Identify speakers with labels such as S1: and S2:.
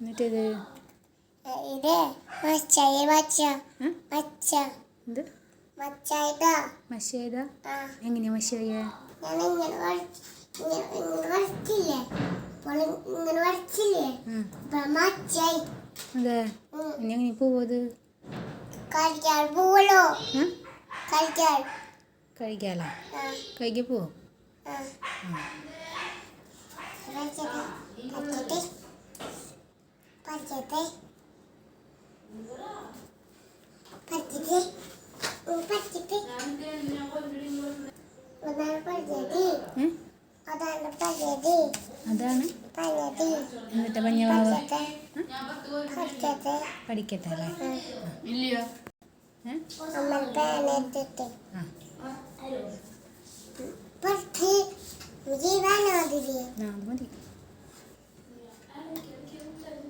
S1: എന്നിട്ടിത്
S2: ഇത് മച്ചായി മച്ച മച്ച
S1: എന്ത്
S2: മച്ചായിട്ടാ
S1: മഷേതാ എങ്ങനെയാ മഷായ
S2: ഞാൻ ഇങ്ങനെ വരച്ചില്ലേ ഇങ്ങനെ വരച്ചില്ലേ മച്ചായി
S1: അതെ ഇനി എങ്ങനെ പോവത്
S2: കളിക്കാൻ പോവല്ലോ കളിക്കാൻ
S1: കഴിക്കാലോ കഴിക്കാൻ പോവോ അതാണ് എന്നിട്ട് പഞ്ഞവാവ പഠിക്കട്ടെ അല്ലേ അത് മതി